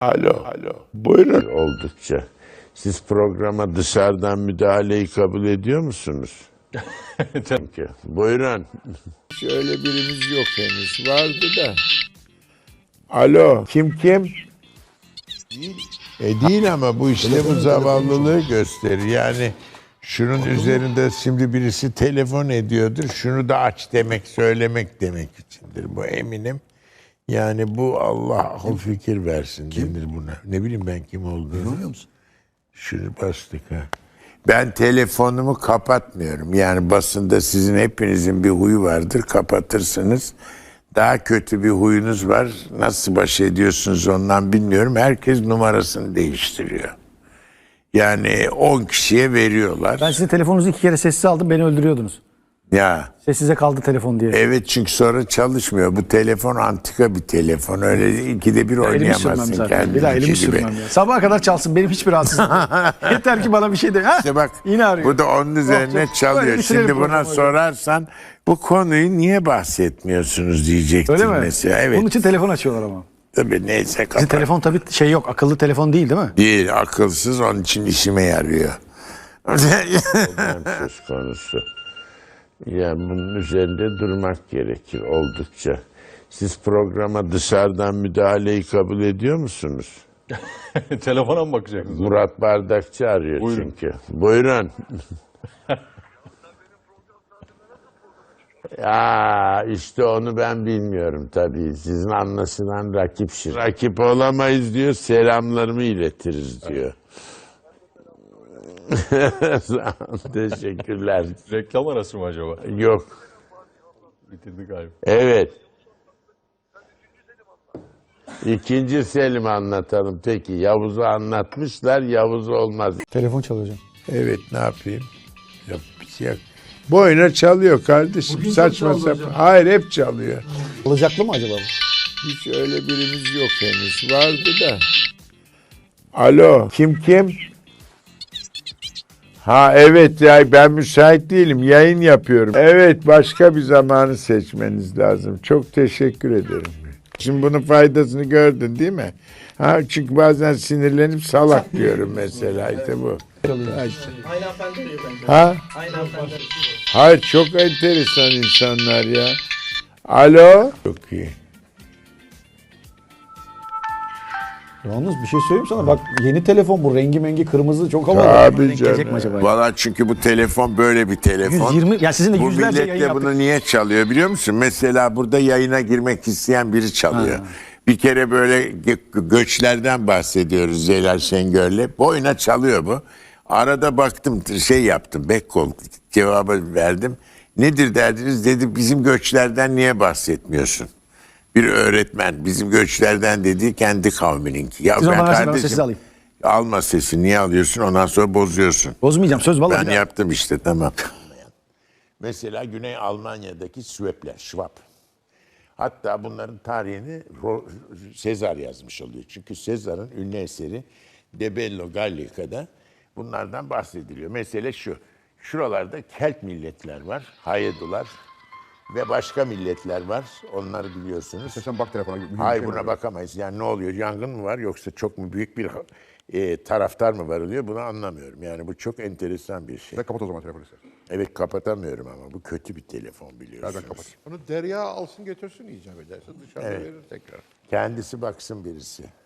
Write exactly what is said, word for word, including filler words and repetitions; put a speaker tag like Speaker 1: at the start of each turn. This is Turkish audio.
Speaker 1: Alo. Alo. Buyurun.
Speaker 2: Oldukça. Siz programa dışarıdan müdahaleyi kabul ediyor musunuz? Çünkü. Buyurun.
Speaker 1: Hiç öyle birimiz yok henüz. Vardı da. Alo. Kim kim? Değil. E değil ama bu işte bu zavallılığı gösterir. Yani şunun üzerinde şimdi birisi telefon ediyordur. Şunu da aç demek, söylemek demek içindir. Bu eminim. Yani bu Allah akıl fikir versin denir buna. Ne bileyim ben kim olduğunu. Bilmiyor musun? Şunu bastık ha. Ben telefonumu kapatmıyorum. Yani basında sizin hepinizin bir huyu vardır. Kapatırsınız. Daha kötü bir huyunuz var. Nasıl baş ediyorsunuz ondan bilmiyorum. Herkes numarasını değiştiriyor. Yani on kişiye veriyorlar.
Speaker 3: Ben sizin telefonunuzu iki kere sessize aldım, beni öldürüyordunuz.
Speaker 1: Ya.
Speaker 3: Sessize kaldı telefon diye.
Speaker 1: Evet, çünkü sonra çalışmıyor. Bu telefon antika bir telefon. Öyle ikide bir oynayamazsın kendini.
Speaker 3: Bir daha elimi sürmem ya. Sabaha kadar çalsın, benim hiçbir rahatsızlığım yok. Yeter ki bana bir şey de. Ha?
Speaker 1: İşte bak,
Speaker 3: yine arıyor.
Speaker 1: bu da onun üzerine
Speaker 3: Oh,
Speaker 1: çalıyor. Şimdi buna
Speaker 3: programı.
Speaker 1: sorarsan bu konuyu niye bahsetmiyorsunuz diyecektin
Speaker 3: Öyle mi?
Speaker 1: mesela. Evet.
Speaker 3: Bunun için telefon açıyorlar ama.
Speaker 1: Tabii neyse
Speaker 3: Sizin
Speaker 1: kapat.
Speaker 3: telefon tabii şey yok, akıllı telefon değil değil mi?
Speaker 1: Değil, akılsız, onun için işime yarıyor.
Speaker 2: Problem söz konusu. Yani bunun üzerinde durmak gerekir oldukça. Siz programa dışarıdan müdahaleyi kabul ediyor musunuz?
Speaker 4: Telefona mı bakacaksınız?
Speaker 2: Murat Bardakçı arıyor
Speaker 4: Buyurun.
Speaker 2: çünkü. Buyurun. Ya işte onu ben bilmiyorum tabii. Sizin anlaşılan rakip şirket. Rakip olamayız diyor, selamlarımı iletiriz diyor. Teşekkürler.
Speaker 4: Reklam arası mı acaba?
Speaker 2: Yok.
Speaker 4: Bitirdik galiba.
Speaker 2: Evet. İkinci Selim anlatalım. Peki Yavuz'u anlatmışlar. Yavuz olmaz.
Speaker 3: Telefon çalıyor hocam.
Speaker 1: Evet, ne yapayım? Yap, bir şey yok. Boyuna çalıyor kardeşim.
Speaker 3: Bugün
Speaker 1: Saçma
Speaker 3: çok çaldı
Speaker 1: sapan.
Speaker 3: hocam.
Speaker 1: Hayır, hep çalıyor.
Speaker 3: Alacaklı mı acaba bu?
Speaker 1: Hiç öyle birimiz yok henüz. Vardı da. Alo. Kim kim? Ha evet ya, ben müsait değilim. Yayın yapıyorum. Evet, başka bir zamanı seçmeniz lazım. Çok teşekkür ederim. Şimdi bunun faydasını gördün değil mi? Ha, çünkü bazen sinirlenip salak diyorum mesela, işte bu. Ha, işte.
Speaker 5: Aynı hanımefendi diyor bence.
Speaker 1: Ha?
Speaker 5: Aynı hanımefendi.
Speaker 1: Hayır, çok enteresan insanlar ya. Alo. Çok iyi.
Speaker 3: Yalnız bir şey söyleyeyim sana, bak yeni telefon bu, rengi mengi kırmızı, çok havalı.
Speaker 1: Tabii
Speaker 3: Denk gelecek mi
Speaker 1: canım.
Speaker 3: acaba?
Speaker 1: Valla çünkü bu telefon böyle bir telefon.
Speaker 3: yüz yirmi, ya sizin de
Speaker 1: Bu
Speaker 3: yüzlerce
Speaker 1: millet
Speaker 3: yayın
Speaker 1: de
Speaker 3: yaptık.
Speaker 1: bunu niye çalıyor biliyor musun? Mesela burada yayına girmek isteyen biri çalıyor.
Speaker 3: Ha.
Speaker 1: Bir kere böyle gö- göçlerden bahsediyoruz Celal Şengör'le. Boyuna çalıyor bu. Arada baktım, şey yaptım, backcall cevabı verdim. Nedir derdiniz dedi, bizim göçlerden niye bahsetmiyorsun? Bir öğretmen bizim göçlerden dediği kendi kavmininki. Ya
Speaker 3: Siz
Speaker 1: ben
Speaker 3: ona versin, ben
Speaker 1: kardeşim,
Speaker 3: sessiz alayım.
Speaker 1: alma sesi, niye alıyorsun, ondan sonra bozuyorsun.
Speaker 3: Bozmayacağım, söz vallahi.
Speaker 1: Ben
Speaker 3: bir daha.
Speaker 1: yaptım işte, tamam. Mesela Güney Almanya'daki Swepler, Schwab. Hatta bunların tarihini Ro- Sezar yazmış oluyor. Çünkü Sezar'ın ünlü eseri De Bello Gallica'da bunlardan bahsediliyor. Mesele şu, şuralarda Kelt milletler var, Hayedular ve başka milletler var. Onları biliyorsunuz.
Speaker 6: Sen bak telefona. mühim bir
Speaker 1: Hayır,
Speaker 6: şey
Speaker 1: buna
Speaker 6: var.
Speaker 1: bakamayız. Yani ne oluyor? Yangın mı var yoksa çok mu büyük bir e, taraftar mı var oluyor? Bunu anlamıyorum. Yani bu çok enteresan bir şey.
Speaker 6: Sen kapat o zaman telefonu sen.
Speaker 1: Evet, kapatamıyorum ama bu kötü bir telefon biliyorsunuz.
Speaker 6: Nereden kapat?
Speaker 7: Onu Derya alsın götürsün icap ederse dışarıda
Speaker 1: Evet.
Speaker 7: verir tekrar.
Speaker 1: Kendisi baksın birisi.